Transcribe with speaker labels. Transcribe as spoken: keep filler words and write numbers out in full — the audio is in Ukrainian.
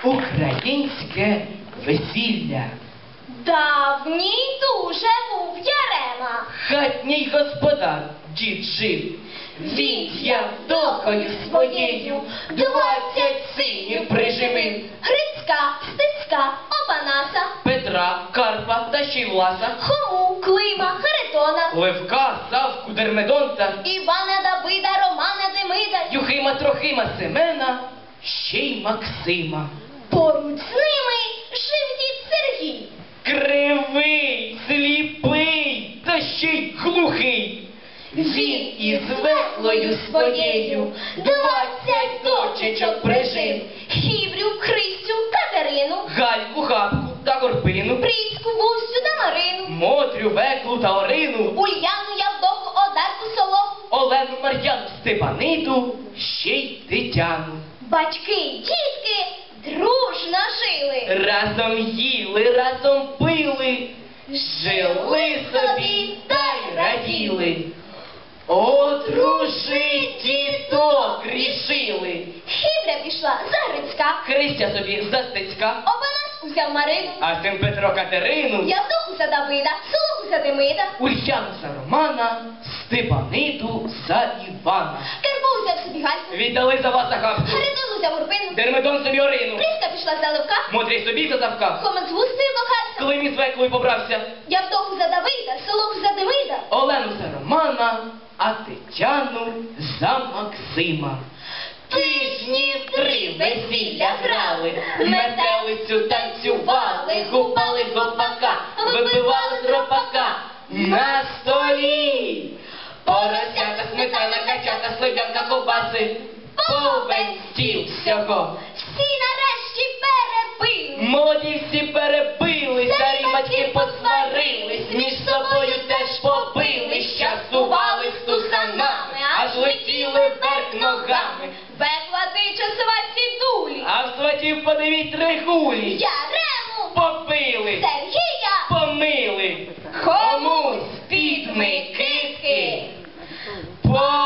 Speaker 1: Українське весілля.
Speaker 2: Давній дуже був Ярема.
Speaker 1: Хатній господар дід жив. Він Явдокою своєю двадцять синів приживив.
Speaker 2: Грицька, Стецька, Опанаса,
Speaker 1: Петра, Карпа та ще й Власа,
Speaker 2: Хому, Клима, Харитона,
Speaker 1: Левка, Савку, Дермедонта,
Speaker 2: Івана, Давида, Романа, Демида,
Speaker 1: Юхима, Трохима, Семена, ще й Максима.
Speaker 2: поруч з ними жив дід Сергій.
Speaker 1: Кривий, сліпий, та ще й глухий. Він із веслою своєю двадцять дочечок прижив.
Speaker 2: Хіврю, Христю, Катерину,
Speaker 1: Гальку, Гапку та Горпину,
Speaker 2: Пріцьку, Густю та Марину,
Speaker 1: Мотрю, Веклу та Орину,
Speaker 2: Ульяну, Явдоку, Одарку, Солоху,
Speaker 1: Олену, Мар'яну, Степаниту, ще й Тетяну.
Speaker 2: батьки, дітки дружно жили.
Speaker 1: Разом їли, разом пили, жили собі та й раділи. Одружить діток рішили.
Speaker 2: Хівря пішла за Грицька,
Speaker 1: Христя собі за Стецька,
Speaker 2: Опанас узяв Марину,
Speaker 1: а син Петро Катерину,
Speaker 2: Явдоку за Давида, Солоху за Демида,
Speaker 1: Ульяну за Романа, Степаниту за Івана.
Speaker 2: Карпо узяв собі Гальку,
Speaker 1: Віддали за вас Агапку,
Speaker 2: Харитон узяв Урпину,
Speaker 1: Дермедон собі Орину,
Speaker 2: Пріска пішла за Левка,
Speaker 1: Мотрій собі за Савка,
Speaker 2: Хома з Густею кохався,
Speaker 1: Клим із Веклою побрався,
Speaker 2: Явдоку за Давида, Солоху за Демида,
Speaker 1: Олену за Романа, а Тетяну за Максима. Тижні три весілля грали, метелицю танцювали, гупали гопака, випивали з ропака на столі. Поросята, сметана, качата, слив'янка, ковбаси, повен стіл всього.
Speaker 2: всі нарешті перепили.
Speaker 1: Молоді всі перебили, старі батьки посварились, між собою теж побили, щасували з тусанами, аж летіли вверх ногами.
Speaker 2: Векла тича сваті дулі,
Speaker 1: А в сватів подивіть регулі,
Speaker 2: Ярему,
Speaker 1: побили,
Speaker 2: Сергія,
Speaker 1: помили, комусь під Микитки, по